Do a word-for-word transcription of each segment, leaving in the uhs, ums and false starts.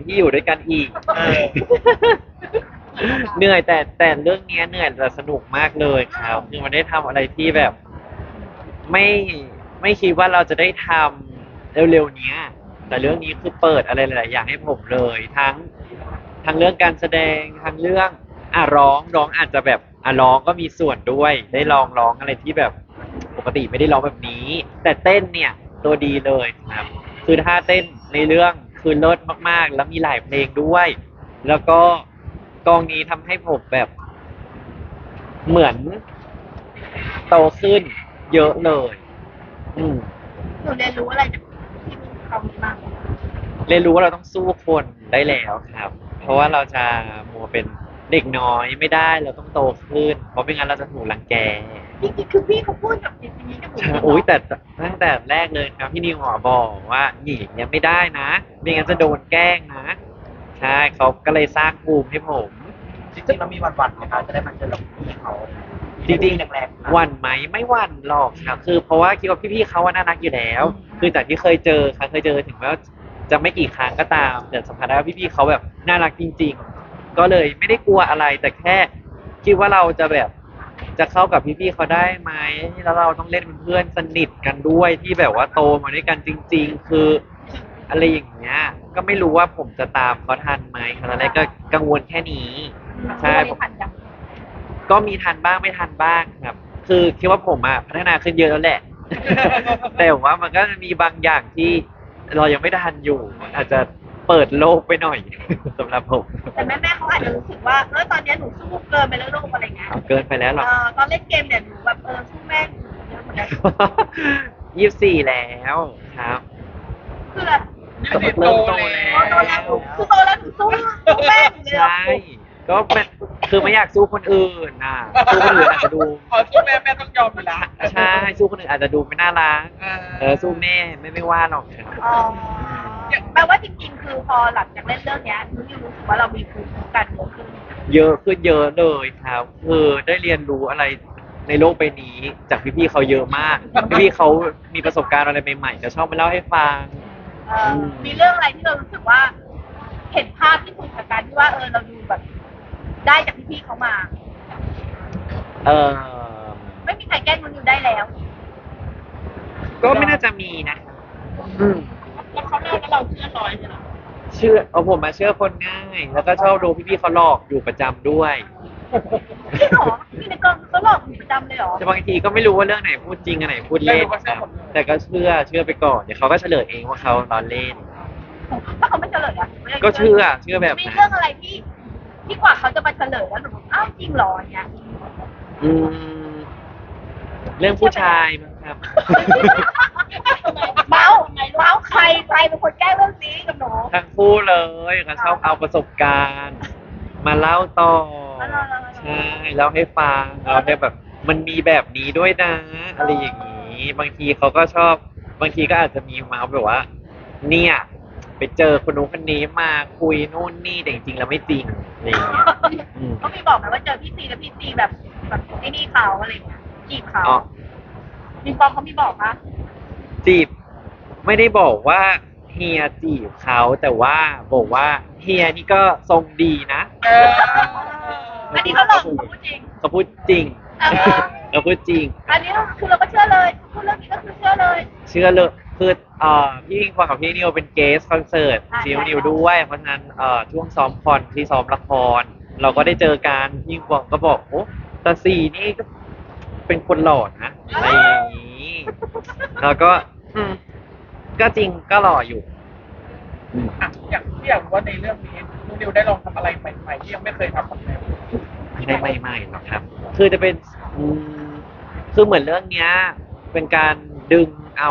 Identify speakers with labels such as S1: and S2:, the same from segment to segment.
S1: ที่อยู่ด้วยกันอีก
S2: เออ
S1: เหนื่อยแต่แต่เรื่องเนี้ยเหนื่อยแต่สนุกมากเลยครับคือมันได้ทำอะไรที่แบบ ไม่ไม่คิดว่าเราจะได้ทำเร็วๆเนี้ยแต่เรื่องนี้คือเปิดอะไรหลายๆอย่างให้ผมเลยทั้งทั้งเรื่องการแสดงทั้งเรื่องอ่ะร้องร้องอาจจะแบบอ่ะร้องก็มีส่วนด้วยได้ลองร้องอะไรที่แบบปกติไม่ได้ร้องแบบนี้ แต่เต้นเนี่ยตัวดีเลยครับคือท่าเต้นในเรื่องคือเลิศมากๆแล้วมีหลายเพลงด้วย แล้วก็กองนี้ทำให้ผมแบบเหมือนโตขึ้นเยอะเลย อืม
S3: หนูเรียนรู้อะไรจากที่เขามีบ้าง
S1: เรียนรู้ว่าเราต้องสู้คนได้แล้วครับ เพราะว่าเราจะมัวเป็นเด็กน้อยไม่ได้เราต้องโตขึ้น เพราะไม่งั้นเราจะถูกรังแก
S3: จริงๆคือพี่เขาพูดกับสิ่งนี้กับหนู
S1: ใช่อุ้ยแต่ตั้งแต่แรกเลยครับพี่นิวหมอบอกว่าหนีอย่างเงี้ยไม่ได้นะไม่งั้นจะโดนแกล้งนะ ใช่เขาก็เลยสร้างภูมิให้ผม
S2: จริงๆเรามีวันวันๆไหมคะจะได้มาเจอกับพี่เขา
S1: จริง
S2: แรงๆ
S1: ๆหวั่นไหมไม่หวั่นหรอกครับคือเพราะว่าคิดว่าพี่ๆเขาว่าน่ารักอยู่แล้ว คือจากที่เคยเจอครั้งเคยเจอถึงแม้ว่าจะไม่กี่ครั้งก็ตามแต่สัมผัสได้ว่าพี่ๆเขาแบบน่ารักจริง ๆ ก็เลยไม่ได้กลัวอะไรแต่แค่คิดว่าเราจะแบบจะเข้ากับพี่ๆเขาได้ไหมแล้วเราต้องเล่นเป็นเพื่อนสนิทกันด้วยที่แบบว่าโตมาด้วยกันจริง ๆ คืออะไรอย่างเงี้ยก็ไม่รู้ว่าผมจะตามเขาทันไหมตอนแรกก็กังวลแค่นี้ใช่
S3: ไม่ทันยัง
S1: ก็มีทันบ้างไม่ทันบ้างครับ คือคิดว่าผมอะพัฒนาขึ้นเยอะแล้วแหละ แต่ว่ามันก็จะมีบางอย่างที่เรายังไม่ทันอยู่ อาจจะเปิดโลกไปหน่อย สำหรับผม
S3: แต่แม่แม่ๆเขาอาจจะรู้สึกว่าเออตอนเนี้ยหนูสู้เกินไปแล้วลูกอะไรเงี้ย
S1: เอาเกินไปแล้วหร
S3: เอ
S1: อ
S3: อตอนเล่นเกมเนี่ยหนูแบบเออสู้แม่หนูเยอะเหมือนกัน
S1: ยี่สิบสี่แล้วครับ
S3: คือแบบ
S1: เริ่มโตแล้ว
S3: โตแล้วหนูคือโตแล้วหนูสู้สู้แม่หนูเลย
S1: ใช่ ก็เป็นคือไม่อยากสู้คนอื่นน่ะ สู้คนอื่นอาจจะดู
S2: ขอสู้แม่แม่ต้องยอมอยู่แล้ว
S1: ใช่ สู้คนอื่นอาจจะดูไม่น่ารัก
S2: เออ
S1: เออ สู้แม่ไม่ไม่ว่าหรอกครับ
S3: อ๋อแปลว่าจริงๆ คือพอหลังจากเล่นเรื่องเนี้ยหนูรู้สึกว่าเรามีภูมิคุ้มกันเยอะขึ้น
S1: เยอะขึ้นเยอะเลยครับ คือได้เรียนรู้อะไรในโลกใบนี้ จากพี่ๆเขาเยอะมาก พี่ๆเขามีประสบการณ์อะไรใหม่ๆจะชอบมาเล่าให้ฟัง
S3: เออมีเรื่องอะไรที่เรารู้สึกว่า เห็นภาพที่สุดจากการที่ว่าเออเราดูแบบ ได้จากพี่ๆเขามา
S1: เออ
S3: ไม่มีใครแกล้งมันอยู่ได้แล้ว
S1: ก็ไม่น่าจะมีนะอืม
S3: แล้วเขาเล่าแล้วเราเชื่อร้อยใช่ไหม
S1: เชื่อเอาผมมาเชื่อคนง่าย แล้วก็ชอบดูพี่ๆเขาหลอกอยู่ประจำด้วย
S3: จริงเหรอพี่ในกองเขาหลอกหนูประจำเลยเหรอ
S1: แต่บางทีก็ไม่รู้ว่าเรื่องไหนพูดจริงอันไหนพูดเล่นครับแต่ก็เชื่อเชื่อไปก่อนเดี๋ยวเขาก็เฉลยเองว่าเขาล้อเล่น
S3: ถ้าเขาไม่เฉลยอะ
S1: ก็เชื่อเชื่อแบบ
S3: มี
S1: นั้น
S3: เรื่องอะไรที่ที่กว่าเขาจะมาเฉลยแล้วหนูบอกอ้าวจริงเหรออย่างเงี้ย
S1: อืมเรื่องผู้ชายมั้งครับ
S3: เมาส์เมาส์ใครใครเป็นคนแก้เรื่องนี้กับหนู
S1: ทั้งคู่เลยเขาชอบเอาประสบการณ์ มาเล่าต่อ ใช่เล่าให้ฟังเราได้แบบ มันมีแบบนี้ด้วยนะ อะไรอย่างนี้ บางทีเขาก็ชอบ บางทีก็อาจจะมีมาแบบว่า เนี่ย ไปเจอคนนู้นคนนี้มาคุยนู่นนี่แต่จริงๆแล้วไม่จริงอะไรอย่างเงี้ยอืม
S3: เขามีบอกไหมว่าเจอพี่ซีแล้วพี่ซีแบบแบบไอ้นี่เขาอะไรเงี้ยจีบเขา
S1: อ๋อ
S3: มีปอมเขามีบอกปะ
S1: จีบไม่ได้บอกว่าเฮียจีบเขาแต่ว่าบอกว่าเฮียนี่ก็ทรงดีนะ
S2: เออ
S3: อันนี้เขาหลอกเขาพูดจริง
S1: เขาพูดจริง
S3: เออ
S1: เขาพูดจริง
S3: อันนี้คือเราก็เชื่อเลยพูดเรื่องนี้ก็คือเชื่อเลย
S1: เชื่อเลยคือเอ่อพี่พิงพลกับพี่นิวเป็นเกสคอนเสิร์ต
S3: อ่า
S1: ซีนิว
S3: ใช่
S1: นิวด้วยเพราะฉะนั้นเอ่อช่วงซ้อมคอนที่ซ้อมละคร เราก็ได้เจอกันพี่พิงพลก็บอกโอ้ตาสีนี่ก็เป็นคนหล่อนะอะไรอย่างนี้แล้วก็อืมก็จริงก็หล่ออยู่อืม
S2: อ่ะอยากที่อยากรู้ว่าในเรื่องนี้นูนิวได้ลองทำอะไรใหม่ๆที่ยังไม่เคยทำกับแม่
S1: ไม่ได้ใหม่ๆหรอกครับ คือจะเป็นอืมคือเหมือนเรื่องเนี้ย เป็นการดึงเอา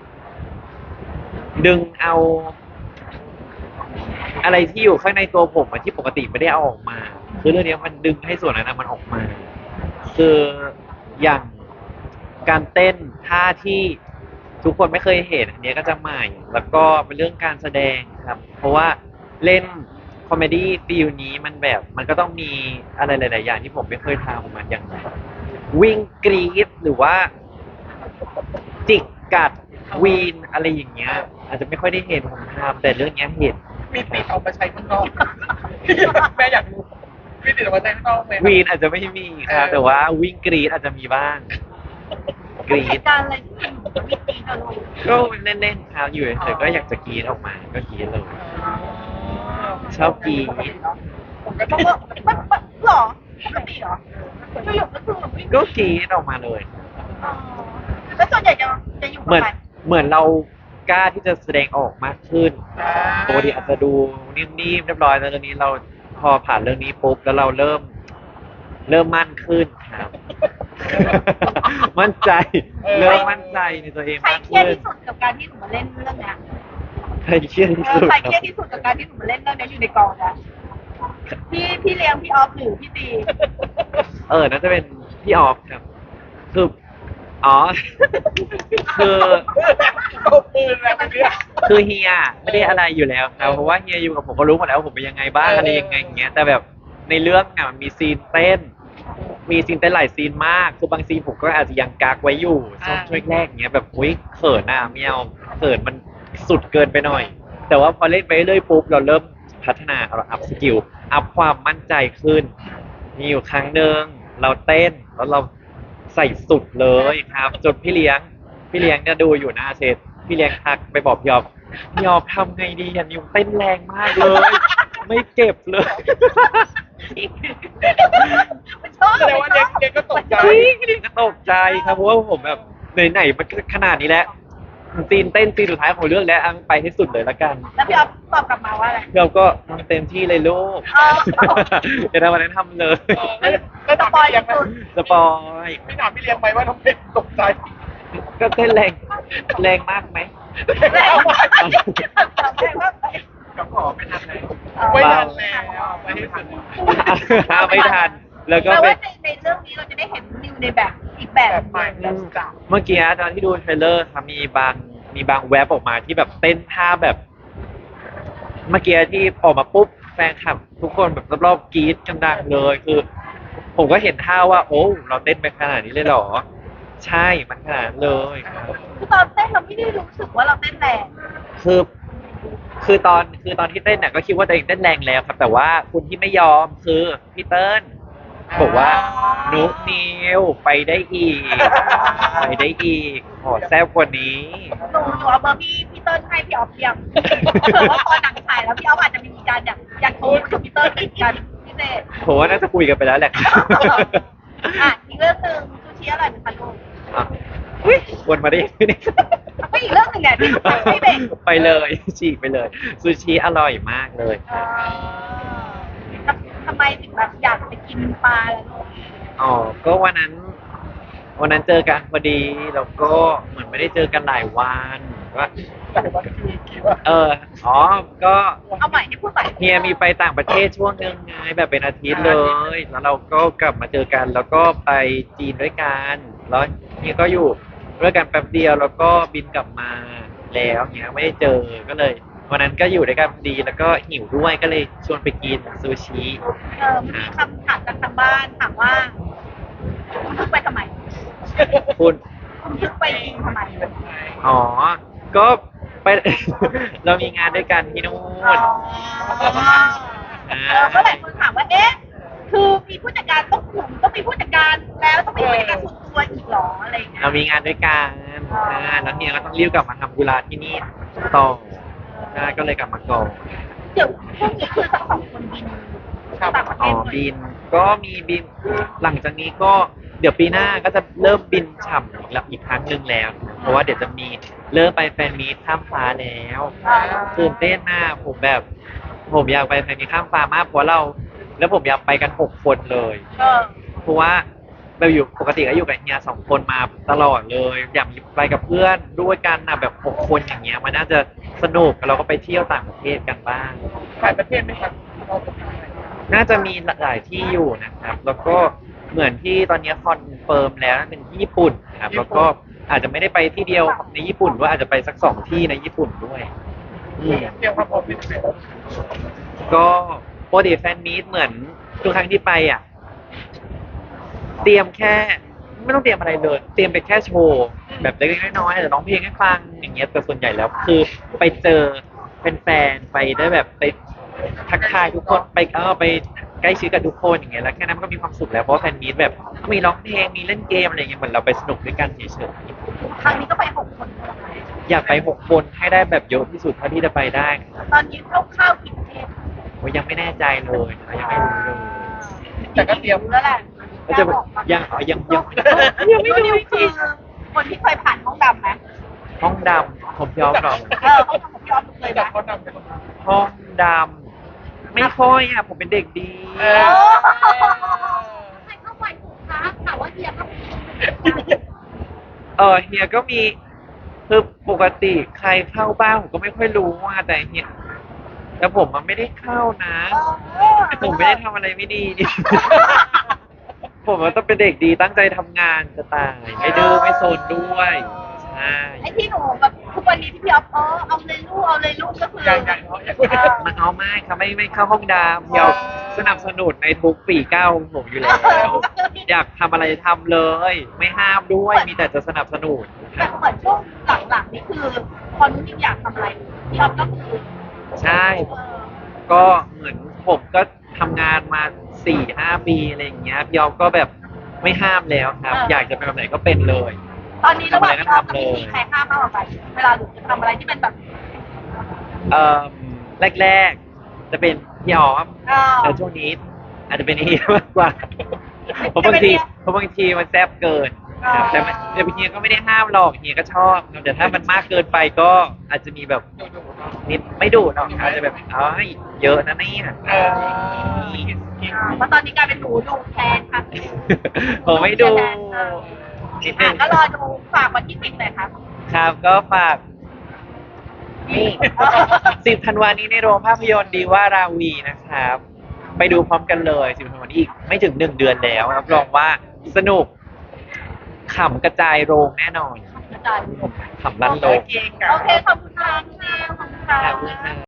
S1: ดึงเอา อะไรที่อยู่ข้างในตัวผมอะที่ปกติไม่ได้เอาออกมา คือเรื่องเนี้ยมันดึงให้ส่วนนั้นนะมันออกมา คืออย่างการเต้นท่าที่ทุกคนไม่เคยเห็นอันเนี้ยก็จะใหม่ แล้วก็เป็นเรื่องการแสดงครับ เพราะว่าเล่นคอมเมดี้ฟิลนี้มันแบบมันก็ต้องมีอะไรหลาย ๆ อย่างที่ผมไม่เคยทำมันอย่างวิ่งกรีดหรือว่า จิกกัดวีนอะไรอย่างเงี้ย อาจจะไม่ค่อยได้เห็นผมทำแต่เรื่องเนี้ยเห็น
S2: มีติดเอามาใช้ข้างนอกแม่อยากรู้มีติดเอามาใช้ข้างนอกไหมครับ
S1: วีนอาจจะไม่มีครับ
S2: เออ
S1: แต่ว่าวิ่งกรีดอาจจะมีบ้าง กรี
S3: เห
S1: ด
S3: ตุการณ์อะไรที่มันมีตีกันลง
S1: ก็เล่นๆครับอยู่เฉยๆก็อยากจะกรีดออกมาก็กรีดเลย ชอบกรีด
S2: ผมก็
S3: เพ
S2: ต้อ
S3: ราะ
S2: ง
S3: ว่ามันมันหรอปกติเหรออยู่ๆก็คือแบบวิ่ง
S1: ก็กรีดออกมาเลย
S3: อ๋อแล้วส่วนใหญ่จะจะอยู่
S1: เหมื
S3: กับ
S1: อน
S3: ใคร
S1: เหมือนเรากล้าที่จะแสดงออกมากขึ้น
S2: อ่า
S1: ปกติอาจจะดูนิ่มๆเรียบร้อยแต่ตอนนี้เราพอผ่านเรื่องนี้ปุ๊บแล้วเราเริ่ม เริ่มมั่นขึ้นครับ มั่นใจ เริ่มมั่นใจในตัวเอง
S3: ใคร
S1: มาก
S3: เครียด
S1: ขึ้น
S3: ที่สุดกับการที่หนูมาเล่นเรื่องเนี้ย
S1: ใครเครียดที่
S3: เอ
S1: สุ
S3: อ
S1: ด
S3: ใคร
S1: ค
S3: เครีย
S1: รั
S3: ด
S1: บ
S3: ที่สุดกับการที่หนูมาเล่นเรื่องเนี้ยอยู่ในกองนะพี่พี่เลี้ยงพี่ออฟหรือพี่ตี
S1: เออน่าจะเป็นพี่ออฟครับ คือ อ๋อ คือ
S2: เอาปืนอะไรมาเนี่ย
S1: คือเฮียไม่ได้อะไรอยู่แล้วครับ เพราะว่าเฮียอยู่กับผมก็รู้หมดแล้วว่าผมเป็นยังไงบ้าง
S2: เอออ
S1: อะไรยังไงอย่างเงี้ย แต่แบบในเรื่องอ่ะมันมีซีนเต้น มีซีนเต้นหลายซีนมาก คือบางซีนผมก็อาจจะยังกักไว้อยู่ช่วงช่วงแรกอย่างเงี้ยแบบอุ้ยเขินอ่ะไม่เอาเขินมันสุดเกินไปหน่อย แต่ว่าพอเล่นไปเรื่อยปุ๊บเราเริ่มพัฒนาเราอัพสกิลอัพความมั่นใจขึ้น มีอยู่ครั้งหนึ่งเราเต้นแล้วเราใส่สุดเลยครับจนพี่เลี้ยง พี่เลี้ยงเนี่ยดูอยู่หน้าเซตพี่เลี้ยงทักไปบอกพี่ยอบพี่ยอบทำไงดีอ่ะนิวเต้นแรงมากเลย ไม่เจ็บเลย
S3: มันชอบ
S2: แสดงว่าเด็กเด็กก็ตกใจ
S1: จริงพี่เลี้ยงก็ตกใจครับเพราะว่าผมแบบไหนๆมันก็ขนาดนี้แล้วซีนเต้นซีนสุดท้ายของเรื่องแล้วอังไปให้สุดเลยละกัน
S3: แล้วพี่ออฟตอบกลับมาว่าอะไร
S1: พี่ยอบก็ทำเต็มที่เลยลูก
S3: อ๋อ
S1: เดี๋ยวทำอะไรทำเลย
S2: เออแล้วแล้วถามพี่เลี้ยงไหม
S1: สปอย
S2: ไม่ถามพี่เลี้ยงไหมว่าทำไมตกใจ
S1: ก็เต้นแรงแรงมากไหม
S3: แรงมากแรงมาก
S2: กับขอไม่ทันแล้วไม่ทันแล้วไม่ให้ทันแล้ว
S1: ไม่ทัน แล้วก็
S3: แปล
S1: เป็
S3: ว่าน ในในเรื่องนี้เราจะได้เห็นนิวในแบบอีกแบบ
S2: แบบใหม่
S3: ห
S2: แบ
S3: นึ่ง
S2: บเก่า
S1: เมื่อกี้ตอนที่ดูเทรลเลอร์ครับมีบางมีบางแว็บออกมาที่แบบเต้นท่าแบบ เมื่อกี้ที่ออกมาปุ๊บแฟนคลับ ทุกคนแบบรอบๆกรี๊ดกันดังเลยคือ ผมก็เห็นท่าว่า โอ้เราเต้นไปขนาดนี้เลยเหรอ ใช่มันขนาดนั้นเลยครับ
S3: คือตอนเต้นเราไม่ได้รู้สึกว่าเราเต้นแรง
S1: คือคือตอนคือตอนที่เต้นน่ะก็คิดว่าตัวเองเต้นแรงแล้วครับ แต่ว่าคุณที่ไม่ยอมคือพี่เติ้ลบอกว่านุกนิวไปได้อีก ไปได้อีก ขอแซ่บกว่านี้
S3: หนูหนูเอาเบอร์พี่พี่เติ้ลให้พี่ออฟเพียงเผื่อว่าพอหนังฉายแล้วพี่ออฟอาจจะมีการอยากอยากโทรกับพี่เติ้ลอีกกันพิเศษ
S1: ผมว่าน่าจะคุยกันไปแล้วแหละ
S3: อ่ะอีกเรื่องหนึ่งซูชิอร่อยเหมือนกันลูก
S1: อ่ะอุ๊ยวนมาได้ยังไงเนี่ย
S3: ไม่อีกเรื่องหนึ่งเนี่ยที่ไม่เบรก
S1: ไปเลยฉีกไปเลยซูชิอร่อยมากเลย
S3: เอ่อทำไมถึงแบบอยากไปกินปลาล่ะลูก
S1: อ๋อ ก็วันนั้น วันนั้นเจอกันพอดี แล้วก็เหมือนไม่ได้เจอกันหลายวันก็
S2: แต่ว่าคือคิดว่า
S1: เออ อ๋อ ก็
S3: เอาใหม่ให้พูดใหม่
S1: เฮียมีไปต่างประเทศช่วงนึงไงแบบเป็นอาทิตย์เลย แล้วเราก็กลับมาเจอกัน แล้วก็ไปจีนด้วยกัน แล้วเฮียก็อยู่ด้วยกันแป๊บเดียว แล้วก็บินกลับมาแล้วเฮียไม่ได้เจอ ก็เลย วันนั้นก็อยู่ด้วยกันพอดี แล้วก็หิวด้วย ก็เลยชวนไปกินซูชิ
S3: เออมีคำถามจากทางบ้านถามว่าคุณทึกไปทำไม
S1: คุณ
S3: คุณทึกไปกินทำไม
S1: อ๋อ ก็ไป เรามีงานด้วยกันที่นู่
S3: อ๋อน เออก็หลายคนถามว่าเอ๊ะคือมีผู้จัดการต้องขุนต้องมีผู้จัดการแล้วต้องมีผู้จัดการส่วนตัวอีกเหรออะไรอย่างเงี้ย
S1: เรามีงานด้วยกัน
S3: อ๋อ
S1: ใช่แล้วเฮียก็ต้องรีบกลับมาทำธุระที่นี่ต่อใช่ก็เลยกลับมาก่อน
S3: เดี๋ยวพรุ่งนี้คือทั้งสองคนบินต่างประเท
S1: อ๋อ
S3: ศเลย
S1: บิน ก็มีบิน หลังจากนี้ก็เดี๋ยวปีหน้าก็จะเริ่มบินฉ่ำอีกแล้วอีกครั้งหนึ่งแล้ว เพราะว่าเดี๋ยวจะมีเริ่มไปแฟนมีตข้ามฟ้าแล้ว
S3: อ่า
S1: ตื่นเต้นมากผมแบบ ผมอยากไปแฟนมีตข้ามฟ้ามากเพราะเรา แล้วผมอยากไปกันหกคนเลย
S3: เออ
S1: เพราะว่าเราอยู่ปกติก็อยู่กับเฮียสองคนมาตลอดเลย อยากไปกับเพื่อนด้วยกันนะแบบหกคนอย่างเงี้ยมันน่าจะสนุกเราก็ไปเที่ยวต่างประเทศกันบ้าง
S2: หลายประเทศไหมครับเราจะไปไหน
S1: น่าจะมีหลายที่อยู่นะครับ แล้วก็เหมือนที่ตอนนี้คอนเฟิร์มแล้วเป็นที่ญี่ปุ่นครับแล้วก็อาจจะไม่ได้ไปที่เดียวในญี่ปุ่นด้วยอาจจะไปสักสองที่ในญี่ปุ่นด้วยอืม
S2: เตรียมความพร้อมเป็นยังไงบ้าง
S1: ก็ปกติแฟนมีตเหมือนทุกครั้งที่ไปอ่ะ เตรียมแค่ไม่ต้องเตรียมอะไรเลย เตรียมไปแค่โชว์แบบเล็กๆน้อยๆอาจจะร้องเพลงให้ฟังอย่างเงี้ยแต่ส่วนใหญ่แล้วคือไปเจอแฟนๆไปได้แบบไปทักทายทุกคนไปเออไปใกล้ชิดกับทุกคนอย่างเงี้ยแล้วแค่นั้นมันก็มีความสุขแล้วเพราะว่าแฟนมีตแบบก็มีร้องเพลงมีเล่นเกมอะไรอย่างเงี้ยเหมือนเราไปสนุกด้วยกันเฉย
S3: ครั้งนี้ก็ไปหกคน
S1: ๆอยากไปหกคนให้ได้แบบเยอะที่สุดเท่าที่จะไปได้ครับ
S3: ตอนนี้คร่าวๆกี่ประเทศ
S1: โอ้ยยังไม่แน่ใจเลยนะยังไม่รู้เลย
S2: แต่ก็เตรียม
S3: แล้วแหละ
S1: ก็จะยังยังยัง
S3: ยังไม่รู้จริงคนที่เคยผ่านห้องดำไหม
S1: ห้องดำผมยอมหรอก
S3: เออห้องดำผมยอมเคย
S2: จาก
S3: ไหม
S2: เขานำไปตรงนั้น
S1: ห้องดำไม่ค่อยอ่ะผมเป็นเด็กดี
S2: เอ
S3: เอ
S2: อ
S3: อใครเข้าไปถูกคะถามว่าเฮียเข้าไป
S1: เออเฮียก็มีคือปกติใครเข้าบ้างผมก็ไม่ค่อยรู้ว่าแต่เฮียแต่ผมมันไม่ได้เข้านะ ผมไม่ได้ทำอะไรไม่ดี ผมมันต้องเป็นเด็กดีตั้งใจทำงานจะตายไม่ดื้อไม่โซนด้วยใช่
S3: ไอ้ที่หนูแบบทุกวันนี้ที่พี่อ๊อฟเออเอาเลยลูกเอาเลยลูกก็คือ
S2: ยังยังเพราะยัง
S3: เออ
S1: มาเอาไม่ครับไม่ไม่เข้าห้องดำเดี๋ยวสนับสนุนในทุกปีก้าวของผมอยู่แล้ว อยากทำอะไรทำเลย ไม่ห้ามด้วยมีแต่จะสนับสนุน
S3: แต่เหมือนช่วงหลังๆนี่คือพอนุ่นนิวอยากทำอะไรพี่อ๊อฟก็คือ
S1: ใช่
S3: เออ
S1: ก็เหมือนผมก็ทำงานมาสี่ห้าปีอะไรอย่างเงี้ยพี่ยอมก็แบบไม่ห้ามแล้วครับ อยากจะเป็นแบบไหนก็เป็นเลย
S3: ตอนนี้ระหว่างพี่อ๊อฟกับ
S1: ทำอะไรก็ทำเลย
S3: พี่ใครห้ามมากกว่ากันเวลาหนูจะทำอะไรที่เป็นแบบ
S1: เอ่อแรกๆ จะเป็นพี่ออม
S3: เออ
S1: แต่ช่วงนี้อาจจะเป็นเฮียมากกว่าเพราะบางทีเพราะบางทีมันแซ่บเกินครับแต่มันแต่เฮียก็ไม่ได้ห้ามหรอกเฮียก็ชอบครับแต่ถ้ามันมากเกินไปก็อาจจะมีแบบ
S2: ดูดูเนาะ
S1: นิดไม่ดุหรอกอาจจะแบบเอ้ยเยอะนะเนี่ย
S2: เออ
S3: เพราะตอนนี้กลายเป็นหนูดูแทนค่ะ
S1: ผมไม่ดูนิดนึ
S3: อ่ะ
S1: ง
S3: ก็รอดูฝากวันที่สิบเลยครับ
S1: ครับก็ฝากนี่สิบธันวานี้ในโรงภาพยนตร์ดีว่าราวีนะครับ ไปดูพร้อมกันเลยสิบธันวานี้อีกไม่ถึงหนึ่งเดือนแล้วรับรองว่าสนุกขำกระจายโรงแน่นอน
S3: อาจารย์
S1: ขำลั่นโล
S2: โอก เคค่ะ
S3: โอเค ขอบคุณค่ะพี่แมวขอบคุณค่ะ
S1: ขอบคุณค่ะ